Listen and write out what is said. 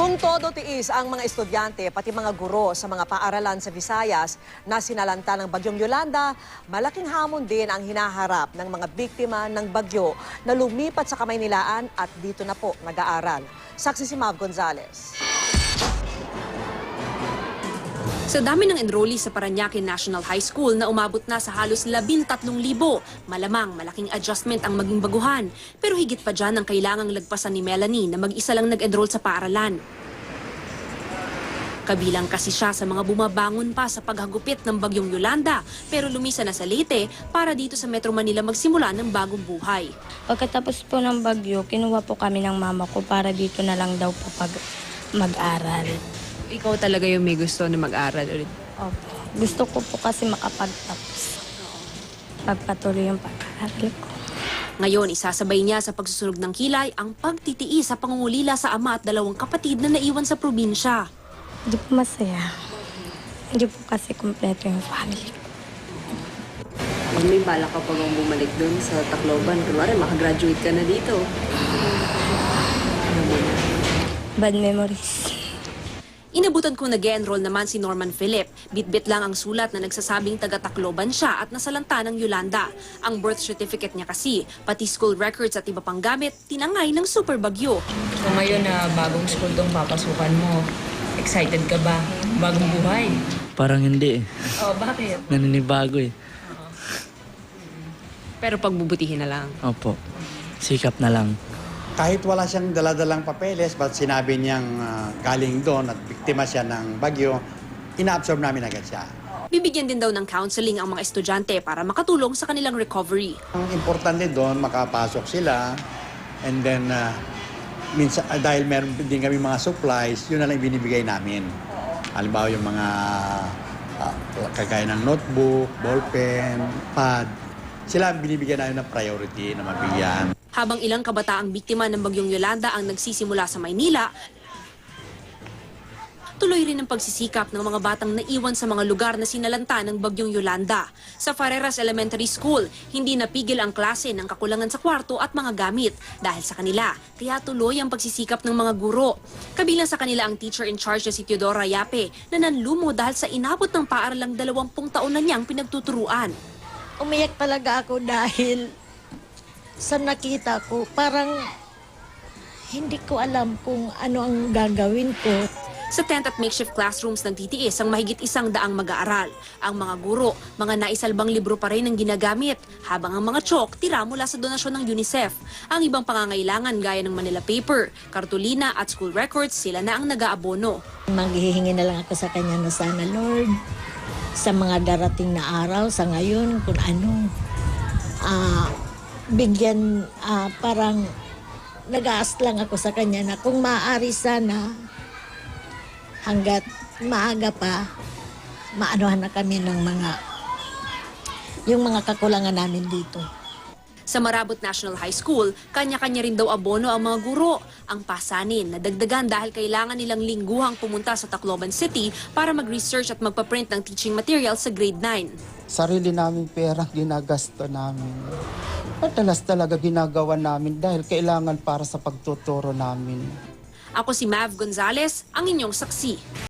Kung todo tiis ang mga estudyante pati mga guro sa mga paaralan sa Visayas na sinalanta ng Bagyong Yolanda, malaking hamon din ang hinaharap ng mga biktima ng bagyo na lumipat sa Kamaynilaan at dito na po nag-aaral. Saksi si Mav Gonzales. Sa dami ng enrollee sa Parañaque National High School na umabot na sa halos 13,000, malamang malaking adjustment ang maging baguhan. Pero higit pa dyan ang kailangang lagpasan ni Melanie na mag-isa lang nag-enroll sa paaralan. Kabilang kasi siya sa mga bumabangon pa sa paghagupit ng Bagyong Yolanda, pero lumisa na sa Leyte para dito sa Metro Manila magsimula ng bagong buhay. Pagkatapos po ng bagyo, kinuha po kami ng mama ko para dito na lang daw po mag-aral. Ikaw talaga yung may gusto na mag-aral ulit? Opo. Gusto ko po kasi makapagtapos. Pagpatuloy yung pag-aaral ko. Ngayon, isasabay niya sa pagsusunog ng kilay ang pagtitiis sa pangungulila sa ama at dalawang kapatid na naiwan sa probinsya. Hindi po masaya. Hindi po kasi kumpleto yung family ko. Pag may bala ka pa bang bumalik dun sa Tacloban, kunwari makagraduate ka na dito. Bad memories. Inabutan kong nag-enroll naman si Norman Philip. Bit-bit lang ang sulat na nagsasabing taga-Tacloban siya at nasalanta ng Yolanda. Ang birth certificate niya kasi, pati school records at iba pang gamit, tinangay ng super bagyo. So ngayon na bagong school tong papasukan mo, excited ka ba? Bagong buhay? Parang hindi eh. Oh, bakit? Naninibago eh. Pero pagbubutihin na lang. Opo. Sikap na lang. Kahit wala siyang daladalang papeles, but sinabi niyang galing doon at biktima siya ng bagyo, ina-absorb namin agad siya. Bibigyan din daw ng counseling ang mga estudyante para makatulong sa kanilang recovery. Ang importante doon, makapasok sila, and then minsan, dahil meron din kami mga supplies, yun na lang binibigay namin. Halimbawa yung mga kagaya ng notebook, ballpen, pad, sila ang binibigyan namin ng priority na mabigyan. Habang ilang kabataang biktima ng Bagyong Yolanda ang nagsisimula sa Maynila, tuloy rin ang pagsisikap ng mga batang naiwan sa mga lugar na sinalanta ng Bagyong Yolanda. Sa Farreras Elementary School, hindi napigil ang klase ng kakulangan sa kwarto at mga gamit dahil sa kanila. Kaya tuloy ang pagsisikap ng mga guro. Kabilang sa kanila ang teacher in charge na si Teodora Yape na nanlumo dahil sa inabot ng paaralang 20 taon na niyang pinagtuturuan. Umiyak talaga ako dahil sa nakita ko, parang hindi ko alam kung ano ang gagawin ko. Sa tent at makeshift classrooms ng TTS ang mahigit 100 mag-aaral. Ang mga guro, mga naisalbang libro pa rin ang ginagamit, habang ang mga chalk tira mula sa donasyon ng UNICEF. Ang ibang pangangailangan gaya ng Manila paper, kartulina at school records, sila na ang nag-aabono. Manghihingi na lang ako sa kanya na sana, Lord, sa mga darating na araw, sa ngayon, kung ano, bigyan, parang nag-aas lang ako sa kanya na kung maaari sana, hanggat maaga pa, maanuhan na kami ng yung mga kakulangan namin dito. Sa Marabot National High School, kanya-kanya rin daw abono ang mga guro. Ang pasanin, nadagdagan dahil kailangan nilang lingguhang pumunta sa Tacloban City para mag-research at magpaprint ng teaching material sa grade 9. Sarili naming pera ginagasto namin. Madalas talaga ginagawa namin dahil kailangan para sa pagtuturo namin. Ako si Mav Gonzales, ang inyong saksi.